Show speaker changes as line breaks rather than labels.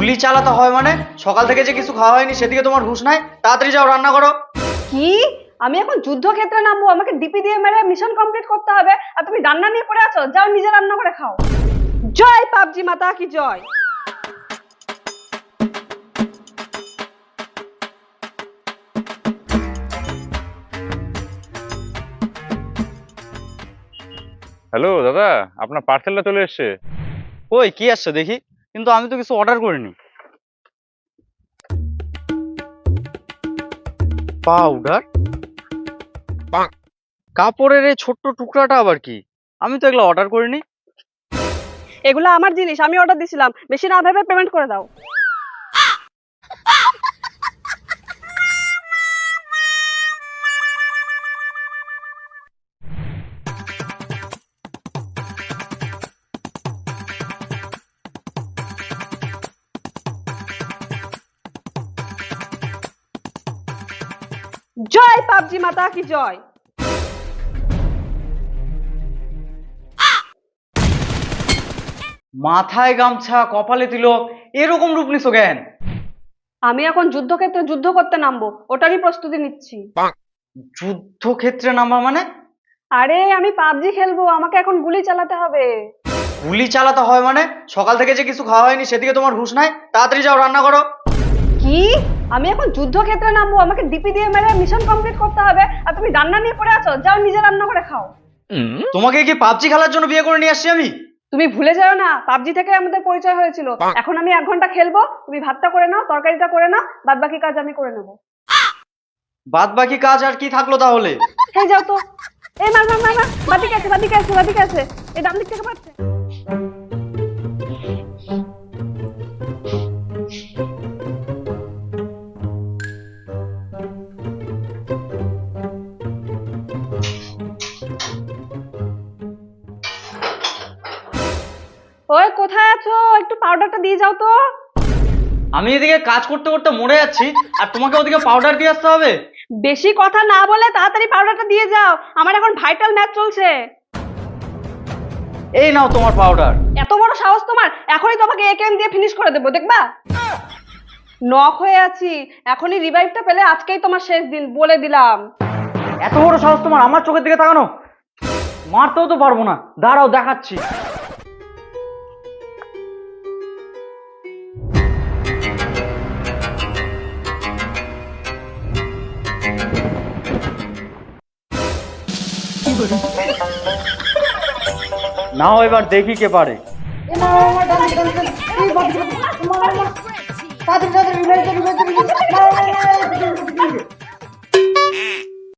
গুলি চালাতে হয় মানে? সকাল থেকে যে কিছু খাওয়া হয়নি সেদিকে তোমার হুঁশ নাই? তাড়াতাড়ি যাও রান্না করো।
কি? আমি এখন যুদ্ধক্ষেত্রে নামবো, আমাকে ডিপি দিয়ে মেরে মিশন কমপ্লিট করতে হবে, আর তুমি রান্না নিয়ে পড়ে আছো? যাও নিজে রান্না করে খাও। জয় পাবজি মাতা কি জয়।
হ্যালো দাদা, আপনার পার্সেলটা চলে এসেছে।
ওই কি আসছে দেখি, কিন্তু আমি তো কিছু অর্ডার করিনি। পাউডার? কাপড়ের এই ছোট্ট টুকরাটা আবার কি? আমি তো এগুলো অর্ডার করিনি।
এগুলো আমার জিনিস, আমি অর্ডার দিছিলাম, বেশি না ভেবে পেমেন্ট করে দাও। জয় পাবজি মাতা কি জয়।
মাথায় গামছা, কপালে তিলক, এরকম রূপ নিছো কেন?
আমি এখন যুদ্ধক্ষেত্রে যুদ্ধ করতে নামবো, ওটারই প্রস্তুতি নিচ্ছি।
যুদ্ধক্ষেত্রে নামা মানে?
আরে আমি পাবজি খেলবো, আমাকে এখন গুলি চালাতে হবে।
গুলি চালাতে হয় মানে? সকাল থেকে যে কিছু খাওয়া হয়নি সেদিকে তোমার হুঁশ নাই? তাড়াতাড়ি যাও রান্না করো।
কি? আমি এখন যুদ্ধক্ষেত্রে নামবো, আমাকে ডিপি দিয়ে মেরে মিশন কমপ্লিট করতে হবে, আর তুমি রান্না নিয়ে পড়ে আছো? যাও নিজে রান্না করে খাও।
তোমাকে কি পাবজি খেলার জন্য বিয়ে করে নিয়ে আসছি আমি?
তুমি ভুলে যাও না, পাবজি থেকে আমাদের পরিচয় হয়েছিল। এখন আমি 1 ঘন্টা খেলবো, তুমি ভাতটা করে নাও, তরকারিটা করে নাও, বাদ বাকি কাজ আমি করে নেবো।
বাদ বাকি কাজ আর কি থাকলো তাহলে?
হ্যাঁ যাও তো। এই মার মার মার মার, বাদিকে আছে বাদিকে আছে বাদিকে আছে, এই ডান দিক থেকে পাচ্ছে। ওই কোথায় আছো? একটু পাউডারটা দিয়ে যাও তো।
আমি এদিকে কাজ করতে করতে মরে যাচ্ছি, আর তোমাকে ওদিকে পাউডার দিয়ে আসতে হবে?
বেশি কথা না বলে তাড়াতাড়ি পাউডারটা দিয়ে যাও, আমার এখন ভাইটাল ম্যাচ চলছে।
এই নাও তোমার পাউডার।
এত বড় সাহস তোমার! এখনই তোমাকে একেএম দিয়ে ফিনিশ করে দেবো, দেখবা। নক হয়ে আছি, এখনই রিভাইভটা পেলে আজকেই তোমার শেষ দিন, বলে দিলাম।
এত বড় সাহস তোমার আমার চোখের দিকে তাকানো? মারতেও তো পারবো না, দাঁড়াও দেখাচ্ছি। নাও এবার দেখি কে পারে।
তাড়াতাড়ি